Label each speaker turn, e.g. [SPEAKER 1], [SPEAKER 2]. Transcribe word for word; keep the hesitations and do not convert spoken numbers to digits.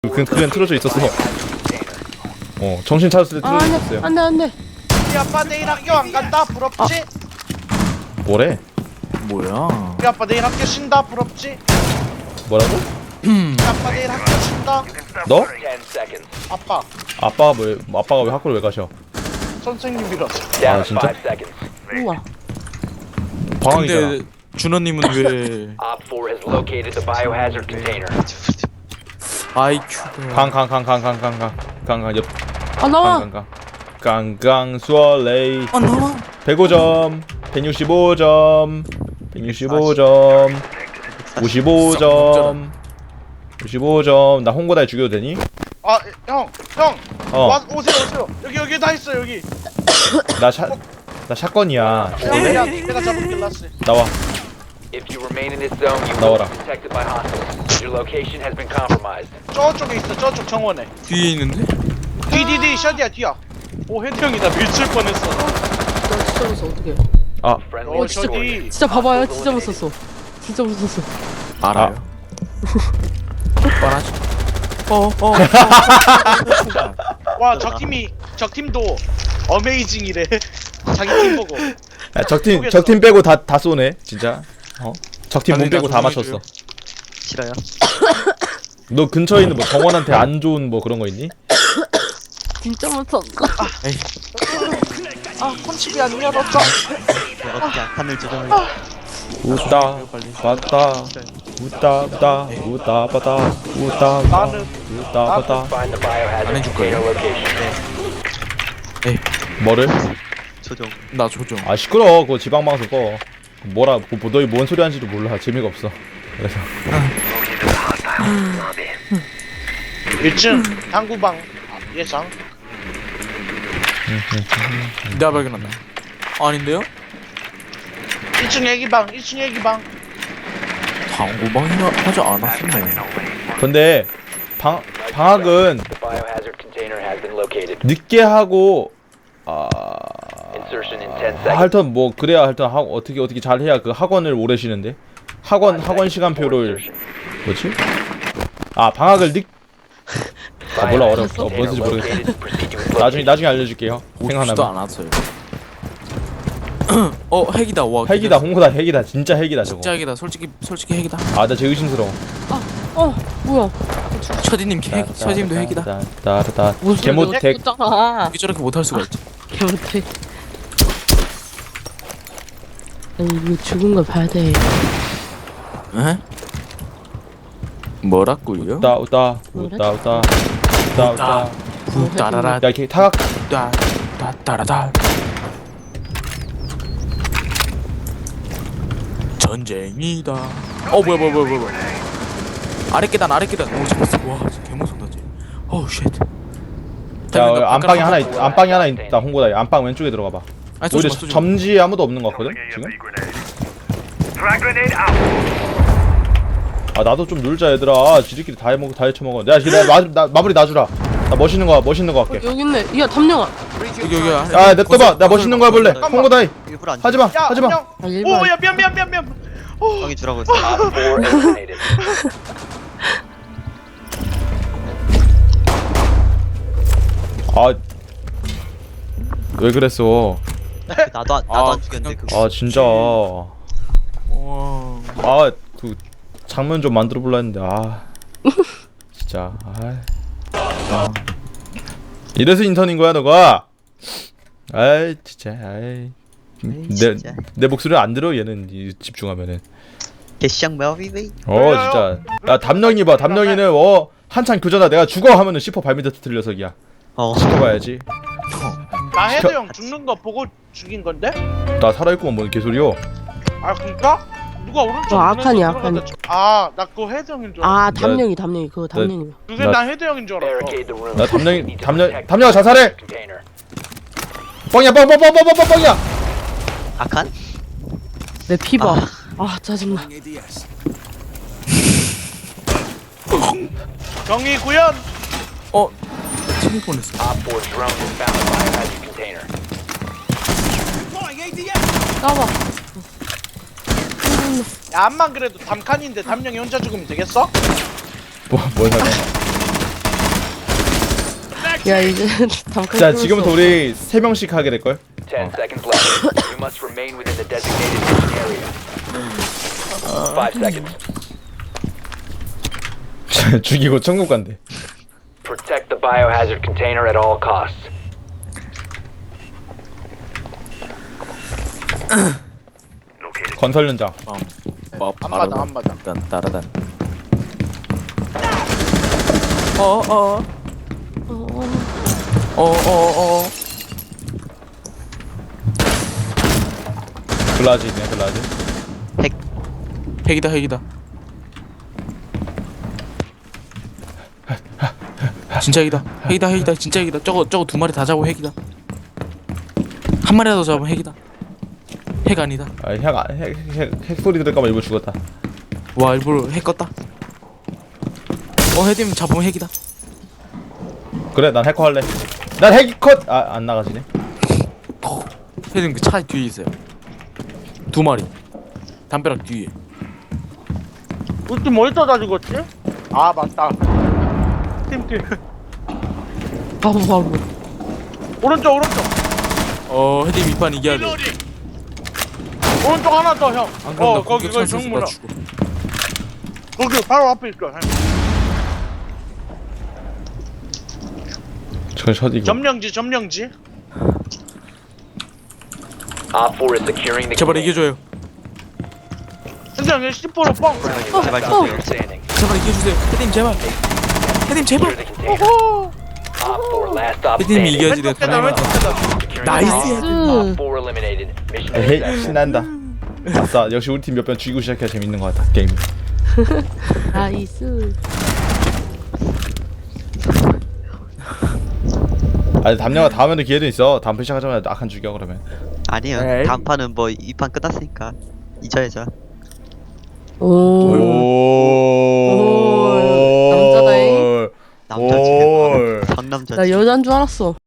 [SPEAKER 1] 그, 그냥 틀어져 있었어. 어, 정신 차렸을 때
[SPEAKER 2] 아,
[SPEAKER 1] 틀어져
[SPEAKER 2] 안돼
[SPEAKER 1] 있었어요.
[SPEAKER 2] 안돼 안돼.
[SPEAKER 3] 우리 아빠 내일 학교 안 간다 부럽지?
[SPEAKER 1] 뭐래?
[SPEAKER 4] 뭐야?
[SPEAKER 3] 우리 아빠 내일 학교 쉰다 부럽지?
[SPEAKER 1] 뭐라고?
[SPEAKER 3] 우리 아빠 내일 학교 쉰다.
[SPEAKER 1] 너?
[SPEAKER 3] 아빠
[SPEAKER 1] 아빠가 왜, 아빠가 왜 학교를 왜 가셔?
[SPEAKER 3] 선생님이라서.
[SPEAKER 1] 아, 진짜?
[SPEAKER 2] 우와.
[SPEAKER 1] 방황이잖아.
[SPEAKER 4] 근데 준호님은 왜
[SPEAKER 5] Op four has located the biohazard container.
[SPEAKER 4] 아이큐가
[SPEAKER 1] 강, 강, 강, 강, 강, 강, 강, 강, 강, 옆,
[SPEAKER 2] 아 나와.
[SPEAKER 1] 강, 강, 강, 강, 수월레이.
[SPEAKER 4] 아 나와?
[SPEAKER 1] 백오 점, 백육십오 점, 백육십오 점, 오십오 점, 오십오 점. 나 홍보다에 죽여도 되니?
[SPEAKER 3] 아 형, 형.
[SPEAKER 1] 어,
[SPEAKER 3] 와 오세요 오세요. 여기 여기 다 있어 여기.
[SPEAKER 1] 나 샷, 나 샷건이야.
[SPEAKER 3] 야, 야, 내가 잡은 길라스.
[SPEAKER 1] 나와.
[SPEAKER 5] If you remain in this zone, you will
[SPEAKER 1] 나와라.
[SPEAKER 5] be detected by hostiles. Your location has been compromised.
[SPEAKER 3] 저쪽에 있어 저쪽 정원에.
[SPEAKER 4] 뒤에 있는데?
[SPEAKER 3] 뒤뒤뒤 샷이야 뒤야. 오 헤드 형이다 밀칠 뻔했어.
[SPEAKER 2] 나 진짜 무서워 어떡해.
[SPEAKER 1] 아,
[SPEAKER 5] Friendly
[SPEAKER 3] 어
[SPEAKER 2] 진짜
[SPEAKER 3] 저기.
[SPEAKER 2] 진짜 봐봐요 진짜 무섭어. 진짜 무섭어.
[SPEAKER 4] 알아요. 뻔하지. 어어
[SPEAKER 3] 와 적 팀이 적 팀도 어메이징이래. 자기 팀 보고.
[SPEAKER 1] 야, 적팀, 적팀 빼고 다, 다 쏘네, 진짜. 어? 적팀 몸
[SPEAKER 4] 아니,
[SPEAKER 1] 빼고 다
[SPEAKER 4] 나
[SPEAKER 1] 맞췄어.
[SPEAKER 4] 조심해줘요.
[SPEAKER 6] 싫어요.
[SPEAKER 1] 너 근처에 있는 뭐 정원한테 안 좋은 뭐 그런 거 있니?
[SPEAKER 2] 진짜 무섭다.
[SPEAKER 3] 아 콘칩이 안 열었어.
[SPEAKER 6] 어떻게 악한을 조정을
[SPEAKER 1] 웃다, 봤다, 웃다, 웃다, 웃다, 봤다, 웃다, 웃다,
[SPEAKER 3] 나는
[SPEAKER 1] 웃다, 봤다.
[SPEAKER 5] Find the biohazard
[SPEAKER 4] 안 해줄
[SPEAKER 5] container
[SPEAKER 4] 거예요?
[SPEAKER 5] location.
[SPEAKER 1] 뭐를?
[SPEAKER 6] 조정.
[SPEAKER 4] 나 조정.
[SPEAKER 1] 아, 시끄러워. 그거 지방방송 꺼. 뭐라, 뭐, 너희 뭔 소리 하는지도 몰라. 재미가 없어. 그래서.
[SPEAKER 3] 일 층 당구방 예상.
[SPEAKER 4] 내가 발견한다. 아닌데요?
[SPEAKER 3] 일 층 애기방 일 층 애기방.
[SPEAKER 4] 당구방이라 하지 않았었네.
[SPEAKER 1] 근데, 방, 방학은
[SPEAKER 5] The biohazard container has been located.
[SPEAKER 1] 늦게 하고, 아,
[SPEAKER 5] Insertion in ten seconds.
[SPEAKER 1] 하여튼 뭐, 그래야 하여튼 하, 어떻게, 어떻게 잘 해야 그 학원을 오래 쉬는데? 학원, 학원 시간표를, 뭐지? 아, 방학을 늦, 아, 몰라, 어렵어. 뭔지 모르겠어. 나중에, 나중에 알려줄게요.
[SPEAKER 4] 오지도
[SPEAKER 1] 생각나면.
[SPEAKER 4] 않았어요. 어 핵이다. 와
[SPEAKER 1] 핵이다, 홍보다 핵이다. 진짜 핵이다, 저거.
[SPEAKER 4] 진짜 핵이다. 솔직히 솔직히 핵이다.
[SPEAKER 1] 아, 나 제일 의심스러워.
[SPEAKER 2] 어 뭐야?
[SPEAKER 4] 처디님 핵. 처디님도 핵이다.
[SPEAKER 1] 따따따.
[SPEAKER 2] 무슨
[SPEAKER 1] 개모텍.
[SPEAKER 2] 핵이잖아.
[SPEAKER 4] 어떻게 저렇게 못할 수가 있지?
[SPEAKER 2] 개못해. 아니 이거 죽은 걸 봐야 돼.
[SPEAKER 4] 에? 뭐라고요?
[SPEAKER 1] 웃다, 웃다, 웃다, 웃다, 웃다, 웃다.
[SPEAKER 4] 따라라
[SPEAKER 1] 야, 이렇게 타각.
[SPEAKER 4] 따 따 따라다. 전쟁이다. 어 뭐야 뭐야 뭐야 뭐야. 아래 계단 아래 계단. 오 잡았어. 와 진짜 개무섭다 쟤. 어우 쉣.
[SPEAKER 1] 야, 안방에 하나 있, 안방에 하나 있다, 홍보다. 안방 왼쪽에 들어가 봐.
[SPEAKER 4] 아니
[SPEAKER 1] 오히려
[SPEAKER 4] 쏘지 마 쏘지 마.
[SPEAKER 1] 점지 아무도 없는 것 같거든, 지금? 아, 나도 좀 놀자, 얘들아. 지들끼리 다 해먹고, 다 해쳐먹어. 야, 나, 마, 나, 마무리 놔주라. 나 멋있는 거, 멋있는 거 할게.
[SPEAKER 2] 여기 있네. 야 담령아.
[SPEAKER 4] 여기 여기.
[SPEAKER 1] 야, 냅둬봐. 나 멋있는 거 해볼래. 홍보다이.
[SPEAKER 6] 일부러 안
[SPEAKER 1] 하지마,
[SPEAKER 3] 야
[SPEAKER 1] 하지마.
[SPEAKER 3] 형.
[SPEAKER 2] 아 일반.
[SPEAKER 3] 오야 미안 미안 미안 미안. 오.
[SPEAKER 6] 형이 주라고 했어.
[SPEAKER 5] Op four eliminated.
[SPEAKER 1] 아, 왜 그랬어?
[SPEAKER 6] 나도 안- 나도
[SPEAKER 4] 아,
[SPEAKER 6] 안 죽였는데
[SPEAKER 4] 그냥-
[SPEAKER 6] 그거.
[SPEAKER 1] 아, 진짜.
[SPEAKER 4] 와.
[SPEAKER 1] 아, 그 장면 좀 만들어 볼라 했는데 아 진짜 아이. 아. 이래서 인턴인 거야 너가? 아이 진짜 아이 내
[SPEAKER 6] 진짜.
[SPEAKER 1] 내 목소리 안 들어 얘는 이- 집중하면은
[SPEAKER 6] 개샹 메리웨이.
[SPEAKER 1] 어 진짜 야 담령이 봐 담령이는 어 한창 교전하 내가 죽어 하면은 시퍼 발밑에 터뜨려 서기야
[SPEAKER 6] 어.
[SPEAKER 1] 시켜봐야지
[SPEAKER 3] 나 헤드 형 죽는 거 보고 죽인 건데?
[SPEAKER 1] 나 살아있구만 뭔 개소리요.
[SPEAKER 3] 아 그니까? 누가 오른쪽
[SPEAKER 2] 어, 아칸이,
[SPEAKER 3] 눈에서
[SPEAKER 2] 아칸이.
[SPEAKER 3] 들어가다 죽- 아, 나 그거 헤드 형인 줄 알았어.
[SPEAKER 2] 아 담령이 담령이 그거 담령이.
[SPEAKER 3] 그게
[SPEAKER 1] 나-
[SPEAKER 3] 난 헤드 형인 줄 알았어.
[SPEAKER 5] Barricade the room.
[SPEAKER 1] 나 담령이
[SPEAKER 5] Need to
[SPEAKER 1] 담령
[SPEAKER 5] protect
[SPEAKER 1] 담령아 자살해.
[SPEAKER 5] the container.
[SPEAKER 1] 뻥이야 뻥뻥뻥뻥뻥 뻥이야.
[SPEAKER 6] 악한?
[SPEAKER 2] 내 피봐. 아 짜증나.
[SPEAKER 3] 경위 구현.
[SPEAKER 4] 어. 튕길 뻔했어.
[SPEAKER 5] Op four drone has found the biohazard container.
[SPEAKER 2] 까봐.
[SPEAKER 3] 야, 암만 그래도 담칸인데 담령이 혼자 죽으면 되겠어?
[SPEAKER 1] 뭐뭔 상관?
[SPEAKER 2] 야 이제 담카.
[SPEAKER 1] 자 지금부터 우리 세 명씩 하게 될 걸.
[SPEAKER 5] Ten seconds left. You must remain within the designated mission area. Five seconds.
[SPEAKER 1] 죽이고 천국 간대.
[SPEAKER 5] Protect the biohazard container at all costs.
[SPEAKER 1] 건설 현장.
[SPEAKER 4] 뭐
[SPEAKER 3] 안 맞아 안 맞아.
[SPEAKER 4] 딴 따라단. 어어 어어어
[SPEAKER 1] 글라지 있네 글라지.
[SPEAKER 4] 핵이다 핵이다. 진짜 핵이다 핵이다 핵이다 진짜 핵이다. 저거 저거 두 마리 다 잡고 핵이다. 한 마리라도 잡으면 핵이다. 핵 아니다.
[SPEAKER 1] 아핵핵핵 소리 들을까봐 일부러 죽었다.
[SPEAKER 4] 와 일부러 핵 껐다. 어 헤드님 잡으면 핵이다.
[SPEAKER 1] 그래 난 해커 할래. 난 핵이 컷. 아 안 나가지네.
[SPEAKER 4] 헤드님 그 차 뒤에 있어요. 두 마리. 담벼락 뒤에.
[SPEAKER 3] 우리 팀 어디서 다 죽었지? 아 맞다. 팀팀
[SPEAKER 2] 바보 바보.
[SPEAKER 3] 오른쪽 오른쪽
[SPEAKER 4] 어 헤드님 이 판 이겨야 돼.
[SPEAKER 3] 오른쪽 하나 더 형.
[SPEAKER 4] 안 그럼
[SPEAKER 3] 어
[SPEAKER 4] 나
[SPEAKER 3] 거기
[SPEAKER 4] 공격
[SPEAKER 3] 거기
[SPEAKER 4] 찬스에서 나
[SPEAKER 3] 정문아.
[SPEAKER 4] 죽어.
[SPEAKER 3] 거기 바로 앞에 있어. 형.
[SPEAKER 1] 저 셔디고.
[SPEAKER 3] 점령지 점령지.
[SPEAKER 5] Op four is securing the
[SPEAKER 4] 제발
[SPEAKER 5] container.
[SPEAKER 4] 이겨줘요.
[SPEAKER 3] 근데 형이 십 퍼센트 뻥.
[SPEAKER 6] 제발
[SPEAKER 5] Friendly
[SPEAKER 6] 주세요.
[SPEAKER 5] standing.
[SPEAKER 4] 제발 이겨주세요. 헤드님 제발. 헤드님 제발.
[SPEAKER 5] Secure the container. Op four last stop
[SPEAKER 4] 헤드님이
[SPEAKER 5] standing.
[SPEAKER 4] 이겨야지 내가
[SPEAKER 3] 왼쪽 계단
[SPEAKER 4] 다행이다.
[SPEAKER 3] 왼쪽 계단.
[SPEAKER 5] Securing
[SPEAKER 4] 나이스.
[SPEAKER 5] the bomb. Op four eliminated. Mission
[SPEAKER 1] 에헤이
[SPEAKER 5] success.
[SPEAKER 1] 신난다. 아싸 역시 우리 팀 몇 번 죽이고 시작해야 재밌는 것 같아 게임.
[SPEAKER 2] 나이스.
[SPEAKER 1] 아니 담녀가 다음에도 기회도 있어. 다음 편 시작하자마자 악한 죽여 그러면.
[SPEAKER 6] 아니요.
[SPEAKER 4] 에이.
[SPEAKER 6] 다음 판은 뭐 이 판 끝났으니까 잊어야죠.
[SPEAKER 2] 오.
[SPEAKER 1] 오.
[SPEAKER 2] 남자다잉.
[SPEAKER 6] 남자 집에
[SPEAKER 1] 올.
[SPEAKER 6] 상남자
[SPEAKER 2] 나
[SPEAKER 6] 집.
[SPEAKER 2] 여잔 줄 알았어.